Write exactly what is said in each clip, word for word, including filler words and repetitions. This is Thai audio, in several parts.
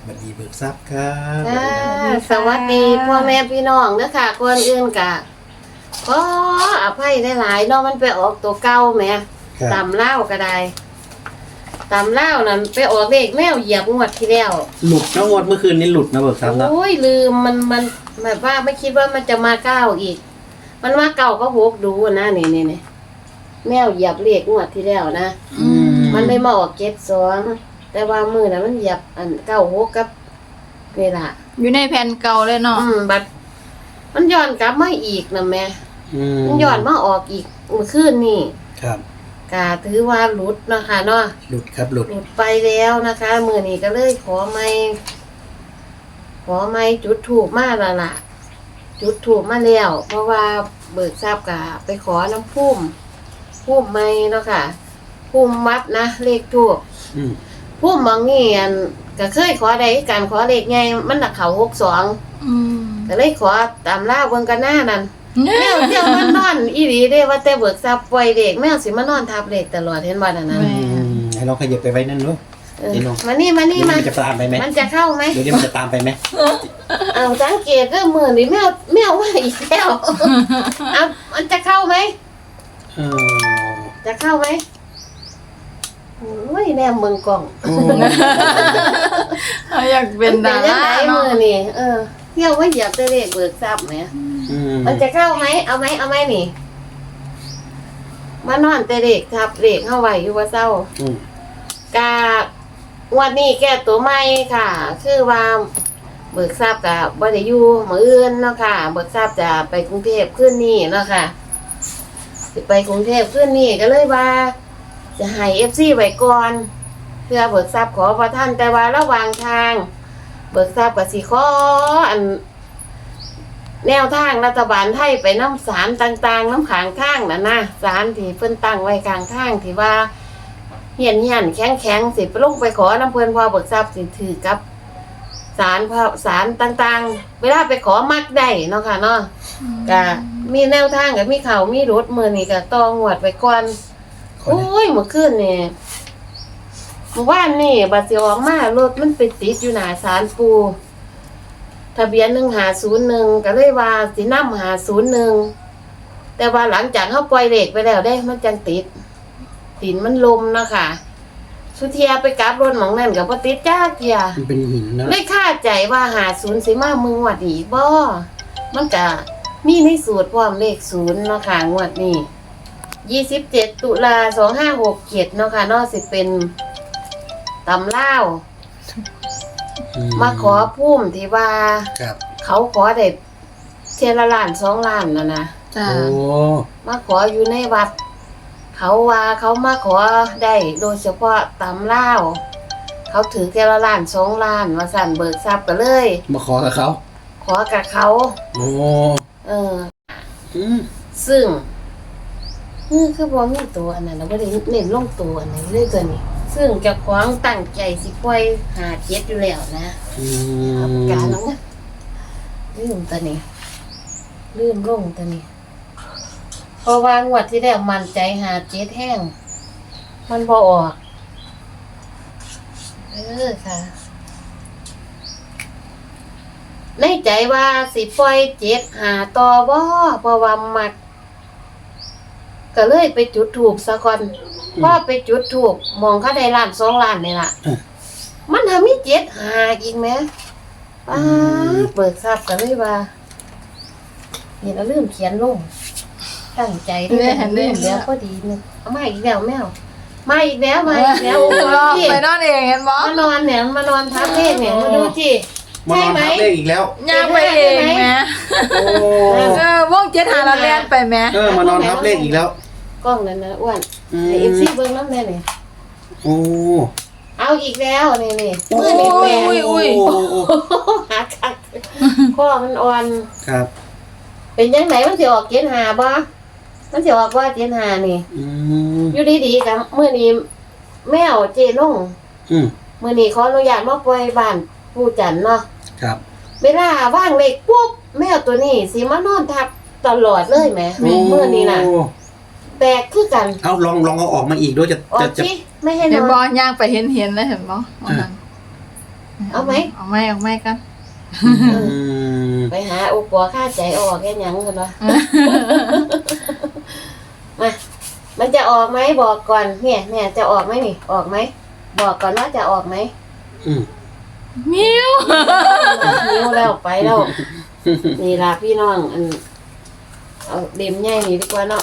วัสดีเบิกทรัพย์ครับค่ะสวัสดีพ่อแม่พี่น้องเด้อค่ะคนอื่นกะก็อภัยได้หลายเนาะมันไปออกตัวเก่าแหมครับตำเล่าวก็ได้ตำเล่าวนั่นไปออกเลขแมวเหยียบงวดที่แล้วหลุดนะงวดเมื่อคืนนี้หลุดนะเบิกทรัพย์นะโอ้ยลืมมันมันแบบว่าไม่คิดว่ามันจะมาเก้าอีก มันมาเก่าก็หกดูนะนี่นี่นี่แมวเหยียบเลขงวดที่แล้วนะอืมมันได้มาออกเจ็ดสองแต่ว่ามือน่ะมันเหยียบอันเก้าหกกับนี่ล่ะอยู่ในแผ่นเก่าเลยเนาะอืมบัดมันย้อนกลับมาอีกนะแม่อืมมันย้อนมาออกอีกเมื่อคืนนี่ครับกาถือว่าหลุดเนาะค่ะเนาะหลุดครับหลุดหลุดไปแล้วนะคะมือนี้ก็เลยขอไม่ขอไม่จุดถูกมาและล่ะ จุดถูกมาแล้ว เพราะว่าเบิกทราบกะไปขอน้ำพุ่มพุ่มไม่เนาะค่ะพุ่มวัดนะเลขถูกอืมพุ่มบางนี่อันก็เคยขอได้การขอเลขไงมันน่ะเขาหกสองอืมก็เลยขอตามล่าเบิ่งกันหน้านั่น แมวเที่ยวมันนอนอีหลีเด้ว่าแต่เบิกทรัพย์ปล่อยเด็กแมวสิมานอนทับเด็กตลอดเห็นบ่นั่นน่ะแม่อืมให้เราขยับไปไว้นั่นด้วยเออเดี๋ยวน้องมานี่มานี่เดี๋ยวมามันจะตามไปไหมมันจะเข้าไหมเดี๋ยวนี้มันจะตามไปไหมเอาสังเกตเด้อมื้อนี้แมวแมวว่าอีกแล้วเอามันจะเข้าไหมเออจะเข้าไหมโอ้ยแนมเบิ่งกล้องโอ้เขาอยากเป็นดาจัรางได๋เนาะมื้อนี้เออเที่ยวว่าเหยียบแต่เลขเบิกทรัพย์แหมอืมมันจะเข้าไหมเอาไหมเอาไหมนี่มานอนแต่เด็กทับเด็กเข้าไว้อยู่ว่าเศร้าอืมกาวันนี้แก้ตัวใหม่ค่ะ คือว่าเบิกทราบกับบ่ได้อยู่มื้ออื่นเนาะค่ะ เบิกทราบจะไปกรุงเทพขึ้นนี่เนาะค่ะสิไปกรุงเทพขึ้นนี่ก็เลยว่า จะให้ เอฟ ซี ไว้ก่อน เพื่อเบิกทราบขอพระท่านแต่ว่าระหว่างทาง เบิกทราบกับสิขออัน แนวทางรัฐบาลไทยไปน้ำสารต่างๆ น้ำขางข้างนะนะสารที่เพิ่นตั้งไว้กลางข้างที่ว่า เหียนเหียนแข็งแข็งสิไปลงไปขอน้ำเพื่อนพอเบิกทรัพย์สิถือกับสารพระสารต่างๆ เวลาไปขอมักได้เนาะค่ะเนาะก็มีแนวทางกับมีเขามีรถมือนี่ก็ตองวดไปก่อนโอ้ยเมื่อคืนนี่เมื่อวานนี่บัดสิออกมารถมันไปติดอยู่หน้าศาลปูทะเบียนหนึ่งหาศูนย์หนึ่งก็เลยว่าสินำหาศูนย์หนึ่งแต่ว่าหลังจากเขาปล่อยเหล็กไปแล้วได้มันจังติด ดินมันลมเนาะค่ะ สุเทียไปกราบรถหมองนั่นกับพติดจ้าเกียมันเป็นหินนะเลยคาใจว่าหาศูนย์สิมามึงวัดอีกบ่มันก็มีในสูตรพร้อมเลขศูนย์เนาะค่ะงวดนี้ยี่สิบเจ็ดตุลาสองห้าหกเจ็ดเนาะค่ะเนอกสิเป็นตำเล่าวอืมาขอพุ่มที่ว่าครับเขาขอได้เทยละล้านสองล้านแล้วนะจ้าโอ้มาขออยู่ในวัด เขาว่าเขามาขอได้โดยเฉพาะตำเล่าวเขาถือเทยละล้านสองล้านมาสั่นเบิกทรัพย์กันเลยมาขอกับเขาขอกับเขาโอ้เอออืมซึ่งนี่คือบ่มีตัวอันนั้นเราไม่ได้เน้นลงตัวอันนี้เลยตัวนี้ ซึ่งเจะคว้าของตั้งใจสิปล่อยหาเจ็ดอยู่แล้วนะอืเอามปากกาน้องนะลืมตัวนี้ลืมลงตัวนี้เพราะว่างวดที่แล้วมันใจหาเจ็ดแห้ง มันบ่ออกเออค่ะ ในใจว่าสิปล่อยเจ็ดหาต่อบ่เพราะว่ามัก ก็เลยไปจุดถูกซะก่อนพอไปจุดถูกมองเขาได้ล้านสองล้านนี่ล่ะ มันทำมีเจ็ดหาอีกไหมป้าดเบิกทราบกันเลยว่าเห็นแล้วลืมเขียนลง ตั้งใจด้วยนะลืมแล้วก็ดีนึงเอามาอีกแล้วแมวมาอีกแล้วมาอีกแล้วรอที่ไปนอนเองเห็นบ่มานอนเนี่ยมานอนทับเลขเนี่ยมาดูที่มานอนทับเลขอีกแล้วย่างไปเองแหมโอ้เออวงเจ็ดหาเราเรียนไปแหมเออมานอนทับเลขอีกแล้วกล้องนั่นนะอ้วนอืมไอเอฟซีเบิ้งน้ำแน่เนี่ยโอ้เอาอีกแล้วนี่นี่โอ้มือนี่แปลงอุ้ยอุ้ยโอ้โอ้หาคักข้อมันอ่อนครับเป็นยังไงมันสิออกเจ็ดหาบ่มันสิออกว่าเจ็ดหานี่อืมอยู่ดีๆกับมื้อนี้แมวเจลงอืมมื้อนี้ขออนุญาตมาปล่อยบ้านปู่จันเนาะครับเวลาว่างเล็กปุ๊บแมวตัวนี้สิมานอนทับตลอดเลยแหมมื้อนี้น่ะโอ้แปลกคือกันเอาลองลองเอาออกมาอีกด้วยจะออจะกจะสิไม่ให้นเห็นอนบ่ย่างไปเห็นเห็นเลยเห็นบ่วันนั้นเอาไหมเอาไหมเอาไหมกันอืมไปหาอุปอค่าใจออกแค่ยังกันวะ มามันจะออกไหมบอกก่อนเนี่ยเนี่ยจะออกไหมนี่ออกไหมบอกก่อนว่าจะออกไหมอืมมิวนิ้วแล้วไปแล้วนี่ล่ะพี่น้องอันเอาเด็มใหญ่นี่ดีกว่าเนาะ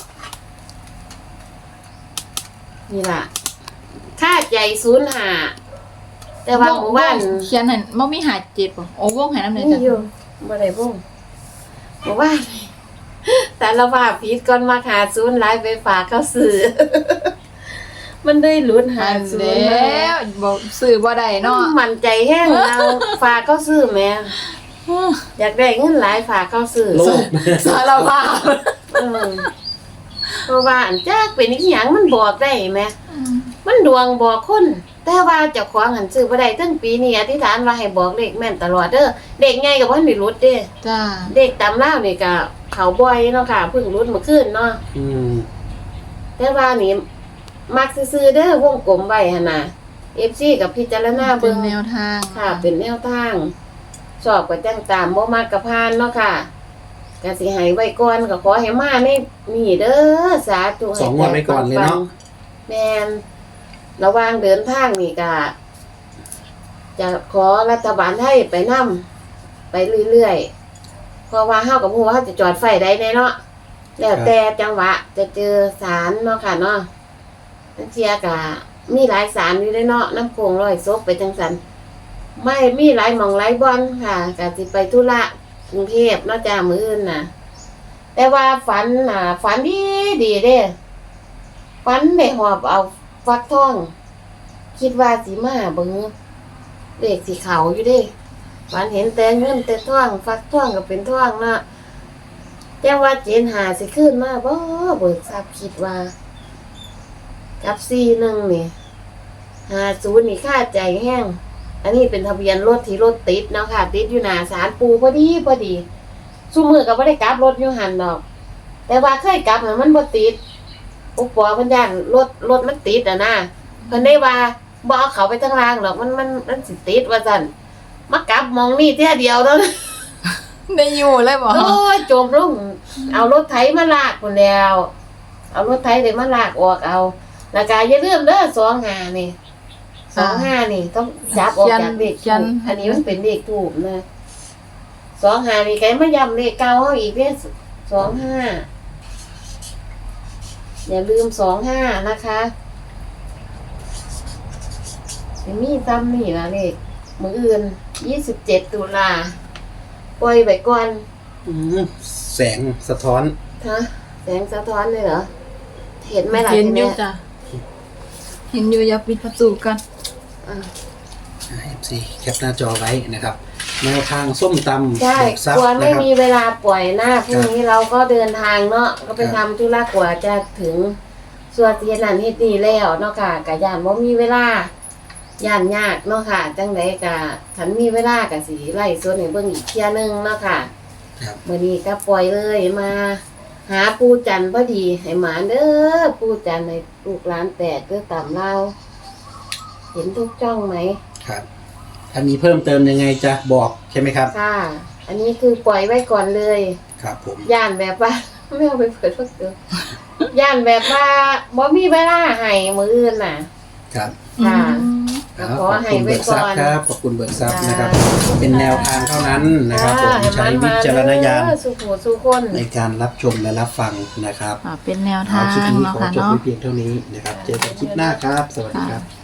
นี่ล่ะค่าใจศูนย์หาแต่ว่าหมู่บ้านเขียนให้บ่มีหาเจ็ดบ่โอ้วงให้น้ำเลยนี่จ้ะอยู่บ่ได้บุ้งหมู่บ้านแต่ละว่าพีดก่อนมาหาศูนย์หลายไปฝากเขาซื้อ มันได้ลุ้นหาอันศูนแล้ย์มาวบ่ซื้อบ่ได้เนาะมันใจแห้งเราฝากเขาซื้อแหม่อยากได้เงินหลายฝากเขาซื้อโลภสารภาพเออเพราะว่าอันจักเป็นอีหยังมันบอกได้แหมมันดวงบอกคนแต่ว่าเจ้าของหันซื้อบ่ได้ตั้งปีนี้อธิษฐานว่าให้บอกเลขแม่นตลอดเด้อเด็กใหญ่ก็บ่ทันได้รุดเด้จ้าเด็กตำลาวนี่ก็เขาบ่อยเนาะค่ะเพิ่งรุดเมื่อคืนเนาะอืมแต่ว่านี่มักซื่อๆเด้อวงกลมไว้หั่นน่ะ เอฟ ซี กับพิจารณาเป็เบิ่นงแนวทางค่ะ เป็นแนวทางสอบก็จังตามบ่มากกะพานเนาะค่ะก็สิให้ไว้ก่อนก็ขอให้มาในนี่เด้อสาธุให้สองงวดไว้ก่อนเลยเนาะแม่นระหว่างเดินทางนี่ก็จะขอรัฐบาลไทยไปนำไปเรื่อยๆเพราะว่าเฮากับฮู้ว่าเฮาจะจอดไฟได้แน่เนาะแล้วแต่จังหวะจะเจอศาลเนาะค่ะเนาะนั่นเทียก็มีหลายศาลอยู่เด้เนาะน้ำโขงร้อยศพไปจังซั่นไม่มีหลายหม่องหลายบ่อนค่ะก็สิไปธุระกรุงเทพเนาะจ้ามื้ออื่นน่ะ แต่ว่าฝันน่ะฝันดีดีเด้ฝันได้หอบเอาฟักทอง คิดว่าสิมาเบิ่งเลขสีขาวอยู่เด้ฝันเห็นแต่เงินแต่ทองฟักทองก็เป็นทองเนาะแต่ว่าเจนหาสิขึ้นมาบ่เบิกทราบคิดว่า กับสี่หนึ่งนี่ห้าศูนย์นี่ค่าใจแห้งอันนี้เป็นทะเบียนรถที่รถติดเนาะค่ะ ติดอยู่หน้าศาลปูพอดีพอดีซุมือก็บ่ได้กลับรถอยู่หันดอก แต่ว่าเคยกลับน่ะมันบ่ติดอุปปอเพิ่นย่านรถรถมันติดอ่ะนะเพิ่นได้ว่าบ่เอาเขาไปทางล่างหรอกมันมันมันสิติดว่าซั่นมากลับมองนี่เที่ยเดียวเท่านั้นได้อยู่เลยบ่โอ้ยจมลงเอารถไถมาลากพุ่นแล้ว เอารถไถได้มาลากออกเอาแล้วก็อย่าลืมเด้อสองห้านี่สองห้านี่ต้องจับออกจากเลขทูปอันนี้มันเป็นเลขทูปนะสองห้านี่ไกมาย้ำเลขเก่าเฮาอีกเด้อสองห้าอย่าลืมสองห้านะคะจะมีซ้ำนี่ละเลขมื้ออื่นยี่สิบเจ็ดตุลาปล่อยไว้ก่อนอืมแสงสะท้อนฮะแสงสะท้อนเลยเหรอ เห็นไหมล่ะเห็นอยู่ทีจ้ะเห็นอยู่อย่าปิดประตูกันอ่ะเอฟซีแคปหน้าจอไว้นะครับแนวทางส้มตำใช่เบิกทรัพกลัวย์ไม่นะครับมีเวลาปล่อยหน้าพรุ่งนี้เราก็เดินทางเนาะก็ไปครัทำบธุระกว่าจะถึงส่วนเทียนนันเฮ็ดนี่แล้วเนาะค่ะกะยานว่ามีเวลาย่านยากเนาะค่ะ จังไดกะฉันมีเวลากะสิไล่ส่วนให้เบิ่งอีกเที่ยหนึงเนาะค่ะครับมื้อนี้ก็ปล่อยเลยมา หาปูจันทร์พอดีให้หมาเด้อปูจันทร์ให้ลูกหลานแตกเด้อตามเราเห็นทุกจ้องไหมครับถ้ามีเพิ่มเติมยังไงจะบอกใช่ไหมครับค่ะ อันนี้คือปล่อยไว้ก่อนเลยครับผมย่านแบบว่า ไม่เอาไปเปิดพวกเดียวย่านแบบว่าบ่มีเวลาให้มืออื่นน่ะครับค่ะอืมครับขขออบให้คุณไว้เบิกทรัพก่อนย์ครับขอบคุณเบิกทรัพย์นะครับค่ะเป็นแนวทางเท่านั้นนะครับผมอ่าใช้วิจารณญาณเออสู่หูสู่คนในการรับชมและรับฟังนะครับอ่าเป็นแนวเอาทางคลิปนี้เนาะขอค่ะจบเนาะไว้เพียงเท่านี้นะครับ เจอกันคลิปหน้าครับ สวัสดีครับค่ะ